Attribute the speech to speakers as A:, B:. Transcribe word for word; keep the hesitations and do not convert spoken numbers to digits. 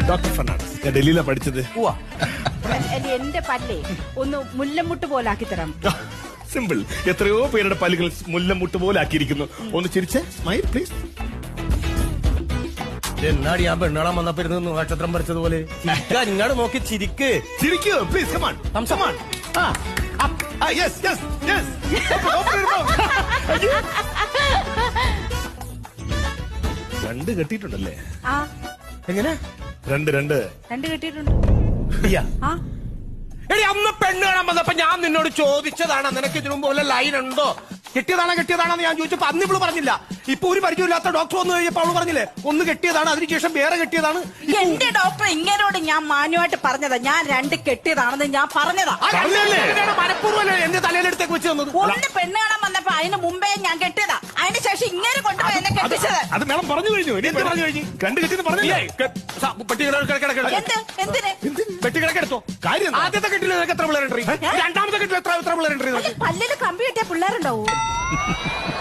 A: Doctor Fernandez. ഞാൻ ഡൽഹിയിലാണ് പഠിച്ചത്.
B: എന്റെ പല്ലേ ഒന്ന് മുല്ലമുട്ട് പോലാക്കി തരാം.
A: സിമ്പിൾ. എത്രയോ പേരുടെ പല്ലുകൾ മുല്ലമുട്ട് പോലെ ആക്കിയിരിക്കുന്നു. ഒന്ന് ചിരിച്ച് സ്മൈൽ പ്ലീസ്.
C: എന്നാടി ഞാൻ പെണ്ണാളാൻ വന്നപ്പോ ഇരുന്ന് നക്ഷത്രം പറിച്ചതുപോലെ ഇങ്ങോട്ട് നോക്കി ചിരിക്ക്.
A: ചിരിക്കൂ please. Come on come on. Yes yes yes. രണ്ട് കെട്ടിയിട്ടുണ്ടല്ലേ?
B: ആ
C: എങ്ങനെ?
A: രണ്ട് രണ്ട്
B: രണ്ട് കെട്ടിയിട്ടുണ്ട്. ആ
C: എടി അന്ന് പെണ്ണ് കാണാൻ വന്നപ്പോ ഞാൻ നിന്നോട് ചോദിച്ചതാണ് നിനക്ക് ഇതിനു മുമ്പ് വല്ല ലൈൻ ഉണ്ടോ, കെട്ടിയതാണോ കെട്ടിയതാണെന്ന് ഞാൻ ചോദിച്ചപ്പോ അന്ന് ഇവള് പറഞ്ഞില്ല. ഇപ്പൊ ഒരു പരിചയമില്ലാത്ത ഡോക്ടർ വന്നു കഴിഞ്ഞപ്പോ അവള് പറഞ്ഞില്ലേ ഒന്ന് കെട്ടിയതാണ്, അതിനുശേഷം വേറെ കെട്ടിയതാണ്.
B: എന്റെ ഡോക്ടർ ഇങ്ങനോട് ഞാൻ മാന്യമായിട്ട് പറഞ്ഞതാ, ഞാൻ രണ്ട് കെട്ടിയതാണെന്ന് ഞാൻ പറഞ്ഞതാ.
C: മനഃപൂർവ്വം എന്റെ തലയിലെടുത്തേക്ക് വെച്ച് തന്നത്.
B: ഒന്ന് പെണ്ണ് കാണാൻ വന്നപ്പോ അതിന് മുമ്പേ ഞാൻ കെട്ടിയതാ, അതിന് ശേഷം ഇങ്ങനെ കൊണ്ടുപോയി എന്നെ കെട്ടിച്ചത്.
A: അത് മേളം പറഞ്ഞു കഴിഞ്ഞു. എന്ത് പറഞ്ഞു കഴിഞ്ഞു? രണ്ട് കെട്ടിന്ന് പറഞ്ഞില്ലേ?
B: എന്ത് എന്തിന്
C: പെട്ടി കിടക്കെടുത്തോ കാര്യം. ആദ്യത്തെ കെട്ടിൽ നിനക്ക് എത്ര പിള്ളേരുണ്ട്? രണ്ടാമത്തെ കെട്ടിൽ എത്ര എത്ര പിള്ളേരുണ്ട്?
B: പല്ലില് കമ്പി കെട്ടിയ പിള്ളേരുണ്ടാവൂ.